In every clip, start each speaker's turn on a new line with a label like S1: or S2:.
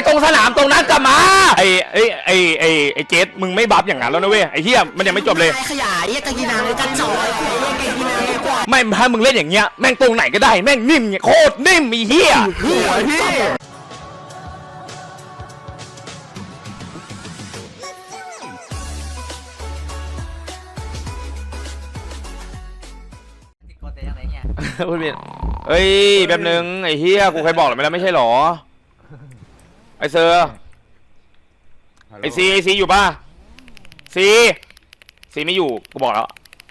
S1: ตรงสนามตรงนั้นกลับมาไอ้เจสมึงไม่บัฟอย่างนั้นแล้วนะเว้ยไอ้เหี้ยมันยังไม่จบเลย
S2: ขยายกะกีนางกันจ่อย
S1: ไม่ถ้ามึงเล่นอย่างเงี้ยแม่งตรงไหนก็ได้แม่งนิ่มโคตรนิ่มไอ้เหี้ยพูดผิดเฮ้ยแบบนึงไอ้เฮียกูเคยบอกหรือไม่แล้วไม่ใช่หรอไอเซอร์ไอซีอยู่ป่ะซีไม่อยู่กูบอกแล้ว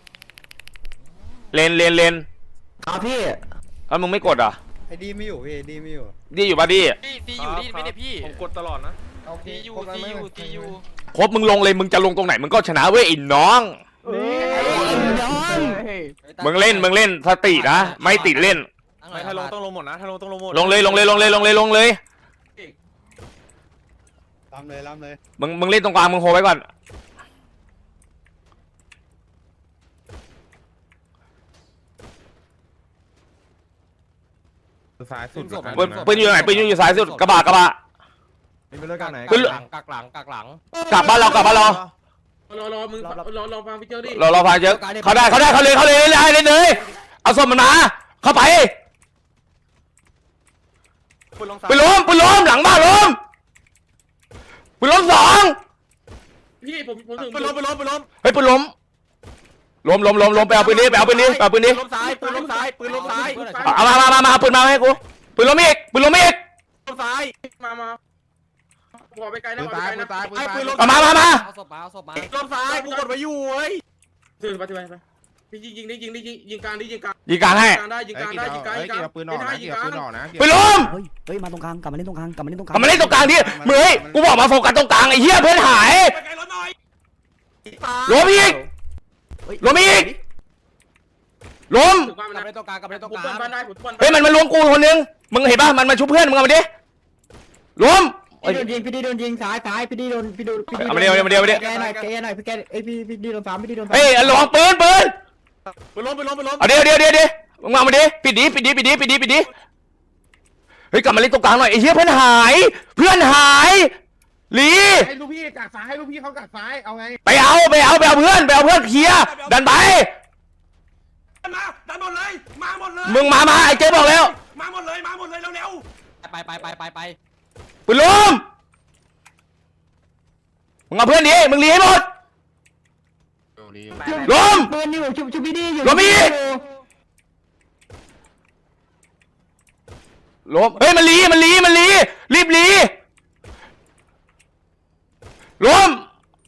S1: เลน
S2: ครับพี่
S1: แล้วมึงไม่กดอ่ะ
S3: ไอ้ดีไม่อยู่พี่ดีไม่อยู่
S1: ดีอยู่ป่ะดี
S4: อยู่ดีไม่ได้พี่ผมกดตลอดนะดีอยู่
S1: ครบมึงลงเลยมึงจะลงตรงไหนมึงก็ชนะเว้ยอินน้องมึงเล่นสตินะไม่ติดเล่น
S4: ถ้าลงต้องลงหมดนะถ้าลงต้องลงหมด
S1: ลงเลย
S3: ล้ำเลย
S1: มึงเล่นตรงกลางมึงโฮไว้ก่อน
S3: ซ้ายสุด
S1: ปืนอยู่ไหนปืนอยู่ซ้ายสุดกระบะ
S3: เป็นเรื่องการไหน
S4: กักหลังกลับ
S1: บ้านเรา
S4: รอมึงรอฟังพี่เจ้าดิ
S1: รอฟังเจ้าเขาได้เลยเอาศพมันมาเข้าไปปืนล้มหลังบ้านล้มสอง
S4: พี่ผมถึงปืนล้ม
S1: เฮ้ยปืนล้มไปเอาปืนนี้
S4: ล้มซ้าย
S1: เอามาปืนมาให้กูปืนล้มอีก
S4: ล้มซ้ายมาพอไปไกลนะ
S1: มา
S4: ล้มซ้ายกูกดไว้อยู่เฮ้ยถือไปพี่ยิงกลาง
S1: ให้
S3: ปืนออกนะ
S1: ปืนล้ม
S2: เฮ้ยมาตรงกลางกลับมาเล่นตรงกลางดิ
S1: ดิมึงเฮ้ยกูบอกมาโฟกัสตรงกลางไอ้เหี้ยเพื่อนหายล้มอีกล้มกลับ
S4: มาเล่นตรงกลาง
S1: เฮ้ยมันรวมกูคนนึงมึงเห็นป่ะมันมาชุบเพื่อนมึงเอามาดิล้ม
S2: พี่ดีโดนยิงซ้ายพี่ดีโดน
S1: เอามาเดียว
S2: แกหน่อยพี่แกพี่ดีโดนซ้ำ
S1: เฮ้ยระวังปืน
S4: ล้ม
S1: เอาเดี๋ยวมึงมาดิปิดดิเฮ้ยกลับมาเล่นตรงกลางหน่อยไอ้เหี้ยเพื่อนหายลี
S3: ให้ลูกพี่กัดซ้ายให้ลูกพี่เขากัดซ้ายเอาไง
S1: ไปเอาเพื่อนเคลียร์ดันไป
S4: ดันหมดเลยมาหมดเลย
S1: มึงมาไอ้เจ๊บอกแล้ว
S4: มาหมดเลยเร็ว
S1: ไปปืนล้มมึงเอาเพื่อนดิมึงลีให้หมดล้ม
S2: ปืนอยู่ชุบพี่ดีอยู่
S1: ล้มอีกล้มเฮ้ยมันลีรีบลีล้ม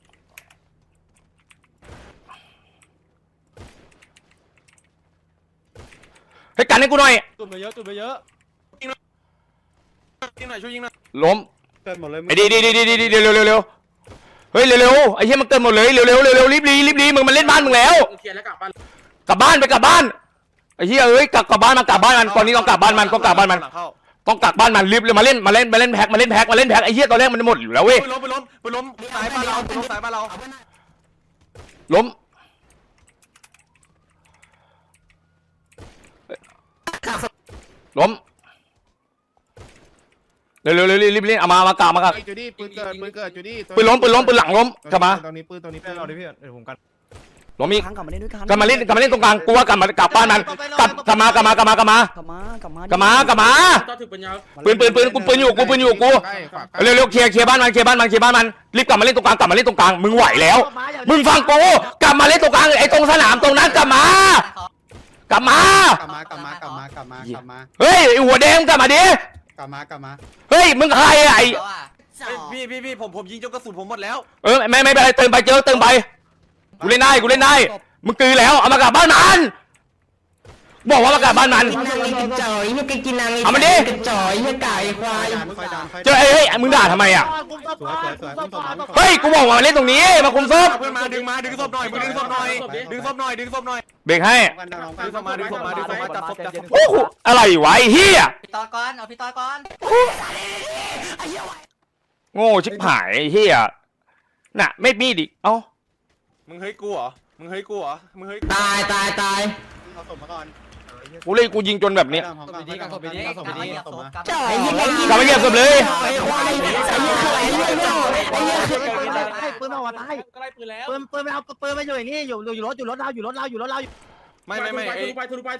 S1: ให้กันให้กูหน่อย
S4: ตุ่มไปเยอะยิงหน่อยช่วยยิงหน่อย
S1: ล้ม
S3: เกิดหมดเลย
S1: ไอ้ดีเร็วเฮ้ยเร็วไอ้เหี้ยมันเกินหมดเลยเร็วรีบลีมึงมันเล่นบ้านมึงแล้ว
S4: เคลียร์แล้วกลับบ้าน
S1: ไอ้เหี้ยเอ้ยกลับบ้านมันตอนนี้ต้องกลับบ้านมันต้องกักบ้านมันรีบเลยมาเล่นแพ็คไอ้เหี้ยตอนแรกมันหมดอยู่แล้วเว้ย
S4: ไปล้มสายบ้านเรา
S1: ล้มเร็วรีบเล่นเอามากลับ
S3: จูดี้ปืนเกิดจูดี้
S1: ปืนล้มหลังล้มกลับมา
S3: ตรงนี้ปืนเราดิพี่เดี๋ยวผมกัน
S1: ล้มอีกกลับมาเล่นตรงกลางกูว่ากลับบ้านมันกลับมา
S2: ปืน
S1: อยู่กูเร็วเคลียร์บ้านมันรีบกลับมาเล่นตรงกลางมึงไหวแล้วมึงฟังกูกลับมาเล่นตรงกลางไอ้ตรงสนามตรงนั้นกลับมาเฮ้ยหัวแดงกลับมาดิ
S3: กลับมา
S1: เฮ้ยมึงใครไอ้
S4: พี่ผมยิงจนกระสุนผมหมดแล้ว
S1: ไม่เป็นไรเติมไปกูเล่นได้มึงกือแล้วเอามากลับบ้านมันบอกว่ามากลับบ้านมันเอามาดิเจ้าเฮ้ยมึงด่าทำไมอ่ะเฮ้ยกูบอกว่ามาเล่นตรงนี้มาคุมศพ
S4: เพื่อนมาดึงศพหน่อยดึงศพหน่อย
S1: เบรกให้
S4: ดึงศพมาจับศพ
S1: โอ้โหอะไรวะไอ้เหี้ย
S2: พี่ต่อก่อน
S1: โง่ชิบหายไอ้เหี้ยน่ะไม่มีดิเอ้า
S4: มึงเฮ้ยกูเหรอ
S2: ตาย
S3: เอาศพมาก่อน
S1: กูยิงจนแบบนี้
S2: กลับมา
S1: เก็บศพเลย
S2: อกมาตาย
S4: ก็ไล่ปืนแล้ว
S2: ปืนไม่เอาปืนไม่อยู่อย่างนี้อยู่รถเรา
S4: ไม่ทุบไป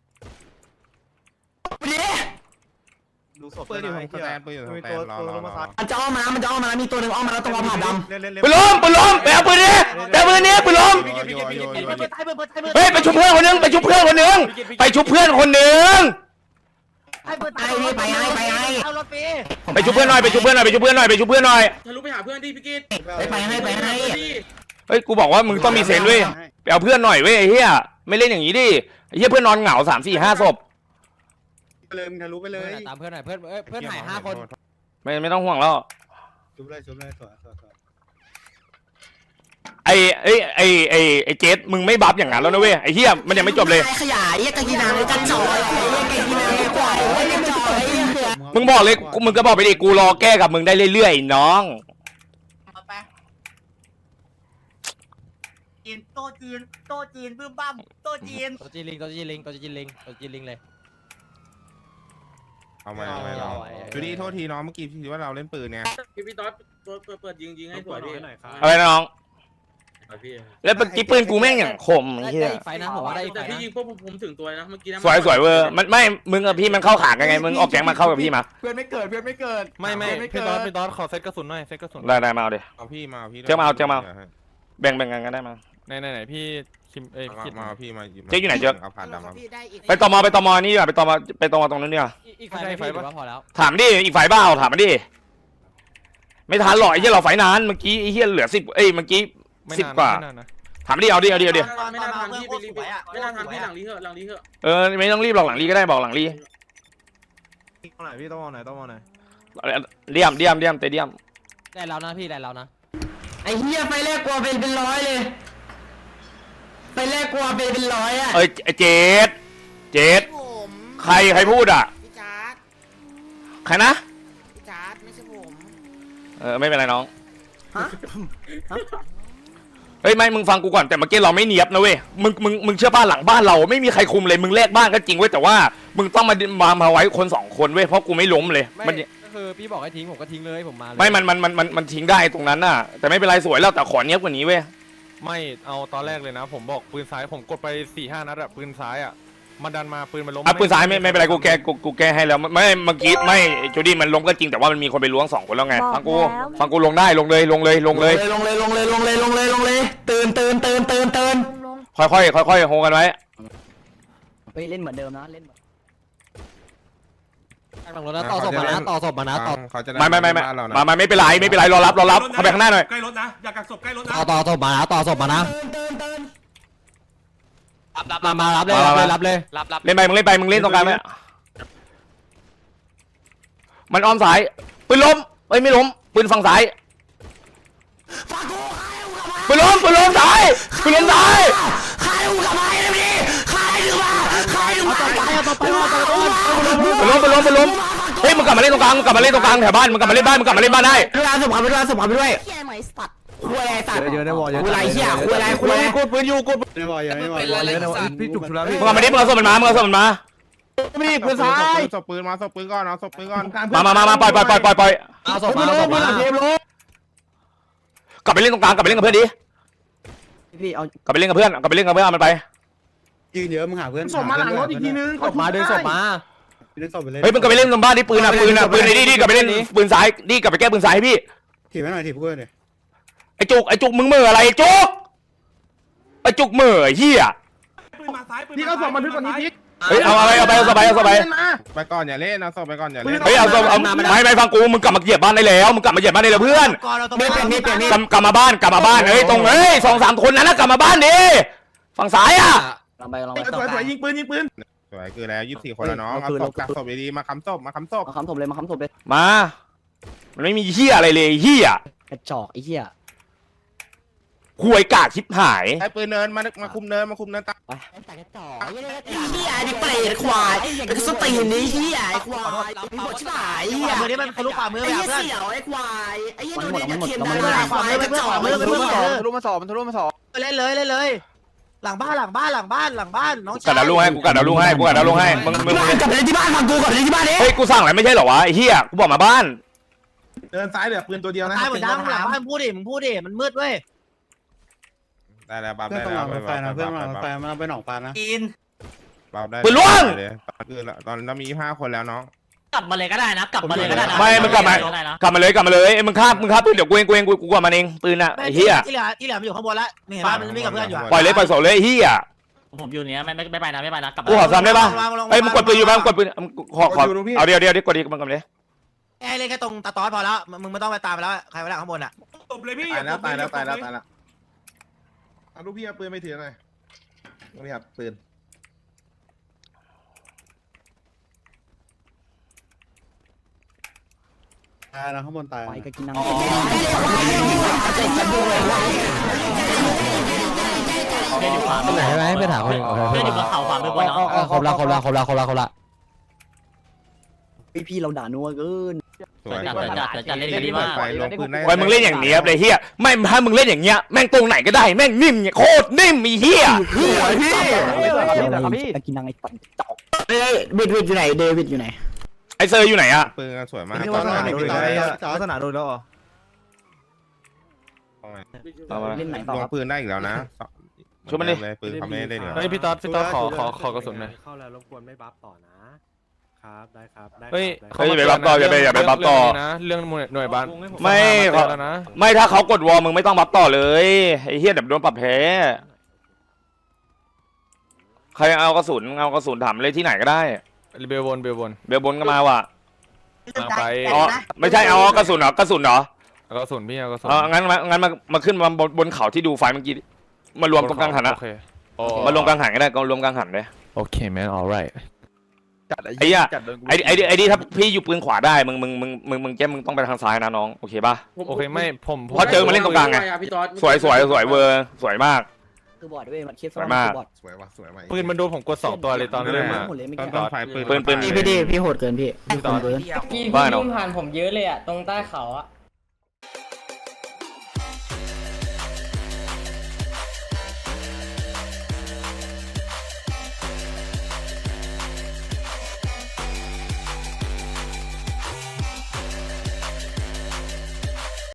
S3: ดูศพปืนอยู่ของแตนปืนอยู่ของแตนรอ
S2: มันจะอ้อมมาแล้วมีตัวหนึ่งอ้อมมาแล้วตรงผ่านดำ
S1: ปืนล้มไปเอาปืนนี้ไปเอาปืนนี้ปืนล้มเฮ้ยไปชุบเพื่อนคนนึงไปชุบเพื่อนคนนึงไปชุบเพื่อนคนนึง
S2: ให้ปืนตายไปเอารถฟรี
S1: ไปชุบเพื่อนหน่อยไปชุบเพื่อนหน่อยไปชุบเพื่อนหน่อยไปชุบเพื่อนหน่อย
S4: ทะลุไปหาเพื่อนดิพี่กิต
S2: ไปให้
S1: เฮ้ยกูบอกว่ามึงต้องมีเซนส์เว้ยไปเอาเพื่อนหน่อยเว้ยไอ้เหี้ยไม่เล่นอย่างนี้ดิไอ้เหี้ยเพื่อนนอนเหงา3 4 5ศพ
S3: ไปเลยมึงทะลุไปเลย
S5: ตามเพื่อนหน่อยเพื่อนหาย5 คน
S1: ไม่ต้องห่วงแล้ว
S3: ชุบเลยสวย
S1: ไอ้เจสมึงไม่บัฟอย่างนั้นแล้วนะเว้ยไอ้เหี้ยมันยังไม่จบเลย
S2: ขยายกะกีนางกันจ่อยกะกีนางควายกันจ่อย
S1: มึงบอกเลยมึงก็บอกไปดิกูรอแก้กับมึงได้เรื่อยๆน้อง
S2: โตจีนบึ้มบั้มโตจีน
S5: ตัวจีลิงเลย
S6: เอามาเราดูดิโทษทีน้องเมื่อกี้พี่ว่าเราเล่นปืนเนี่ย
S4: พี่ต๊อดเปิดยิงให้สวยพี่
S1: อะไรนะน้อง
S4: พี่
S1: แล้วเมื่อกี้ปืนกูแม่งอย่างคมไอ้เหี้ย
S5: ได้ไฟนะผมว่าได้ไฟ
S4: แต่
S5: นะ
S4: พี่ยิงพวกผมถึงตัวนะเมื่อกี้นะ
S1: สวยเวอร์มันไม่มึงกับพี่มันเข้าขากันไงมึงออกแก๊งมาเข้ากับพี่มา
S3: เพื่อนไม่เกิด
S7: ไม่พี่ตอนขอเซตกระสุนหน่อยเซตกระสุน
S1: ได้มาเอาดิ
S6: เอาพี่มาพี่
S1: เจ้ามาแบ่งกันก็ได้มา
S7: ไหนพี่คิมคิด
S6: มาพี่มาเอาผ่านดำมา
S1: ไปตมนี่ดีกว่าไปตมตรงนั้นดีกว่า
S5: อีกไฟไม่พี่ว่าพอแล้ว
S1: ถามดิอีกฝ่ายบ้าถามมันดิไม่ทันหรอกไอ้เหี้ยเราฝ่ายนานเมื่อกี้ไอ้เหี้ยเหลือ10เมื่อกี้10 กว่าถามดิเอาดิ
S4: ไม่น่าทำพี่ไปรีบไม่น่าทำพี่หลังนี้เถอะ
S1: ไม่ต้องรีบหรอกหลังรีก็ได้บอกหลังรี
S3: ไหนพี่ต้องมองไหน
S1: เดี่ยมเตเดียม
S5: ได้แล้วนะพี่ได้แล้วนะ
S2: ไอ้เหี้ยไฟแรกกลัวเป็นร้อยเลยไฟแรกกลัวเป็นร้อยอ่ะ
S1: เจ็ดใครพูดอ่ะ
S8: พี่จาร์ด
S1: ใครนะ
S8: พี่จาร์ดไม่ใช่ผม
S1: ไม่เป็นไรน้องเฮ้ยไม่มึงฟังกูก่อนแต่เมื่อกี้เราไม่เนียบนะเว้ยมึงเชื่อป้าหลังบ้านเราไม่มีใครคุมเลยมึงแลกบ้านก็จริงเว้ยแต่ว่ามึงต้องมาไว้คน2 คนเว้ยเพราะกูไม่ล้มเลยมัน
S5: ก็คือพี่บอกให้ทิ้งผมก็ทิ้งเลยผมมาเลย
S1: ไม่มันทิ้งได้ตรงนั้นน่ะแต่ไม่เป็นไรสวยแล้วแต่ขอเนียบกว่านี้เว้ย
S7: ไม่เอาตอนแรกเลยนะผมบอกปืนซ้ายผมกดไป 4-5 นัดอะปืนซ้ายอะมันดันมาปืนมันล้ม
S1: ปืนซ้ายไม่เป็นไรกูแก้ให้แล้วไม่เมื่อกี้ไม่จูดี้มันล้มก็จริงแต่ว่ามันมีคนไปล้วง2 คนแล้วไงฟังกูลงได้ลงเลย
S2: ตื่น
S1: ค่อยโฮกันไว้
S2: ไปเล่นเหมือนเดิมนะเล่น
S5: หลังรถนะต่อศพมานะต่อศพมานะต่อ
S6: เขาจะ
S1: ไม่เป็นไรรอรับเข้าไปข้างหน้าหน่อย
S4: ใกล้รถนะอย่ากักศพใกล้รถนะ
S5: ต่อศพมานะต่อศพมานะมารับเลย
S1: เล่นไปมึงเล่นตรงกลางไหมมันอ้อมสายปืนล้มไม่ล้มปืนฝั่งซ้ายปืนล้มซ้ายปืนล้มซ้ายปืนล้มเฮ้ยมึงกลับมาเล่นตรงกลางแถวบ้านมึงกลับมาเล่นบ้านได้
S2: เวลาสมขับไปด้วย
S8: เฮียเหมยสัตว์
S2: คุยอะไรสัตว์
S3: เยอะในวอลเยอะ
S2: คุยอะไรเหี้ยคุยอะไรกดปืนอยู่กด
S3: ในวอลเยอะในวอลเยอะในวอลพี่จุกชุแล้วพี่
S1: มึงกลับมาดิมึงเอาศพมันมา
S2: นี่ปืนซ้าย
S6: ศพปืนมาศพปืนก่อนเอาศพปืนก่อน
S1: มาปล่อย
S5: เอาศพมา
S1: กลับไปเล่นตรงกลางกลับไปเล่นกับเพื่อนดิ
S2: พี่เอา
S1: กลับไปเล่นกับเพื่อนเอามันไป
S3: ยืนเยอะมึงหาเพื่อน
S2: ส่งมาหลังรถอีกทีนึง
S5: ศพมาดึงศพมา
S3: เล่นศพไปเลย
S1: เฮ้ยมึงกลับไปเล่นตรงบ้านดิปืนไอ้ดิกลับไปเล่นปืนซ้ายดิกลับไปแก้ปืนซ้ายให้พี่
S3: ถีบให้หน่อยถีบเพื่อนเลย
S1: ไอ้จุกมึงเหม่ออะไรไอ้จุกเหม่อเหี้ย
S3: พี่ก็ส่งมาทึกกว่านี้พี่
S1: เฮ้ยเอาไป
S6: ไปก่อนอย่าเล่นเอาศพไปก่อนอย่าเล่น
S1: เฮ้ยเอาไม่ฟังกูมึงกลับมาเหยียบบ้านได้แล้วเพื่อน
S2: ไม่เป็น
S1: กลับมาบ้านเฮ้ยตรง2-3 คนนั้นนะกลับมาบ้านดิฝั่งซ้ายอ่ะ
S5: ลองไป
S3: สวยยิงปืน
S6: สวยคือแล้ว24 คนแล้วน้องเอาศพกักศพดีๆมาค้ำศพ
S2: มาค้ำศพเลย
S1: มามันไม่มีเหี้ยอะไรเลยเหี้ย
S2: กระจอกไอ้เหี้ย
S1: หวยกากชิบหาย
S6: ไอ้ปืนเนินมาคุมเนินตา
S2: แต่กระจอกไอ้เหี้ยนี่เปรตควายไอ้สตีนนี่เหี้ยไอ้ควายมีบทชิบหายเหี้ยมือนี่มันทะลุฝ่ามือไอ้เหี้ยเสี่ยวไอ้ควายไอ้เหี้ยดูดิเทียนได้ฝ่ามือกระจอกมือทะลุมาสอบเล่นเลยหลังบ้านน้อง
S1: กัดดาวลุงให้มึงกลับไปเล่นที่บ้านฟังกูกลับไปเล่นที่บ้านดิเฮ้ยกูสั่งอะไรไม่ใช่เหรอวะไอ้เหี้ยกูบอกมาบ้าน
S6: เดินซ้ายเหลือปืนตัวเดียวนะ
S2: ตายหมดยังหลังบ้านพูดดิมึงพูดดิมันมืดเว้ย
S6: ได้แล้วบัฟ
S3: เพื่อน
S6: ได้
S3: ต้องห
S6: แล้
S3: ลั
S6: ว
S3: งรถไฟนะเพื่อนหลังรถไฟมันไปหนองปลานะ
S2: กิน
S6: บัฟได้
S1: ปืนล่วง
S6: คือตอนเรามี5คนแล้วน้อง
S2: กลับมาเลยก็ได้นะกลับมาเลยก็ได้นะ
S1: ไม่มึงกลับมากลับมาเลยมึงฆ่าปืนเดี๋ยวกูเองกูกว่ามันเองปืนอ่ะไอ้เหี้ย
S2: ที่เหลือมันอยู่ข้างบนแล้วนี่เห็นป่ะมันไม่กับเพื่อนอยู่
S1: ปล่อยโสเลยไอ้เหี้ย
S2: ผมอยู่เนี้ยไม่ไปนะกลับ
S1: กูขอซ้ำได้ป่ะเอ้ยมึงกดปืนอยู่ป่ะมึงกดปืนขอเอาเดี๋ยวกดดีมันกดเลย
S2: ไอ้เล่นแค่ตรงตาตอสพอแล้วมึงไม่ต้องไปตามแล้วใครไปแล้วข้างบนอ่ะ
S3: ตบเลยพี่
S6: ตายแล้วเอาลูกพี่เอาปืนไปถือหน่อยลูกพี่ครับปืน
S3: ตายนะข้างบนตาย
S5: ไปก็กินน้ำ
S2: เล่นอยู่ขวา
S5: ไหนไหมไปถามคน
S2: เล่นอยู่บนเขาขวามือบนเนาะ
S5: ครบละพี่เราด่านัวเกิน
S6: สวย
S2: จัดเล่นดีมาก
S6: ไฟลงปืนได้
S1: ไว้มึงเล่นอย่างเนี้ยเลยเหี้ยไม่ถ้ามึงเล่นอย่างเงี้ยแม่งตรงไหนก็ได้แม่งนิ่มโคตรนิ่มไอ้เหี้ย
S5: กินนางไอ้ตันจอก
S2: วิดอยู่ไหนเดวิดอยู่ไหน
S1: ไอ้เซอร์อยู่ไหนอะ
S6: ปืนสวยมาก
S3: พี่ว่าสนามโดนแล้วสนามโดนแล้วเหรอ
S5: เล่นไหน
S6: ลงปืนได้อีกแล้วนะเลยปืนเขาไม่ได้เลย
S7: เฮ้ยพี่ต๊อดขอกระสุนหน่อย
S3: เข้าแล้วรบกวนไม่บัฟต่อนะครับได้ครับได้
S7: เฮ้ย
S1: อย่าไปบัฟต่ออย่าไปบัฟต่อ
S7: นะเรื่องหน่วยบ้าน
S1: ไม่ถ้าเขากดวอลมึงไม่ต้องบัฟต่อเลยไอ้เหี้ยเดี๋ยวโดนปรับแพ้ใครเอากระสุนถามเลยที่ไหนก็ได้
S7: เบลบน
S1: เบลบนก็มาว่ะ
S7: ไป
S1: อ๋อไม่ใช่เอากระสุนเหรอกระสุนเหรอ
S7: เอากระสุนพี่เอากระสุน
S1: งั้นมาขึ้นมาบนเขาที่ดูไฟเมื่อกี้มารวมตรงกลางหันอะ
S7: โอเค
S1: มารวมกลางหันก็ได้ก็รวมกลางหันเลย
S7: โอเคแมน alright
S1: ไอ้เหี้ยไอ้ดิถ้าพี่อยู่ปืนขวาได้มึงมึงต้องไปทางซ้ายนะน้องโอเคป่ะ
S7: โอเคไม่ผม
S1: เพราะเจอมาเล่นตรงกลางไงสวยเวอร์สวยมาก
S5: คือบอดด้วยมันคิด
S6: สวยว่ะสวยว่ะ
S7: ปืนมันโดนผมกด2ตัวเลยตอนเริ่มมา
S6: ตอนไฟปืน
S2: พี่โหดเกินพี่
S5: ตอนเกิน
S9: พี่
S1: ว่าเนอะ
S9: วิ่งผ่านผมเยอะเลยอ่ะตรงใต้เขาอ่ะ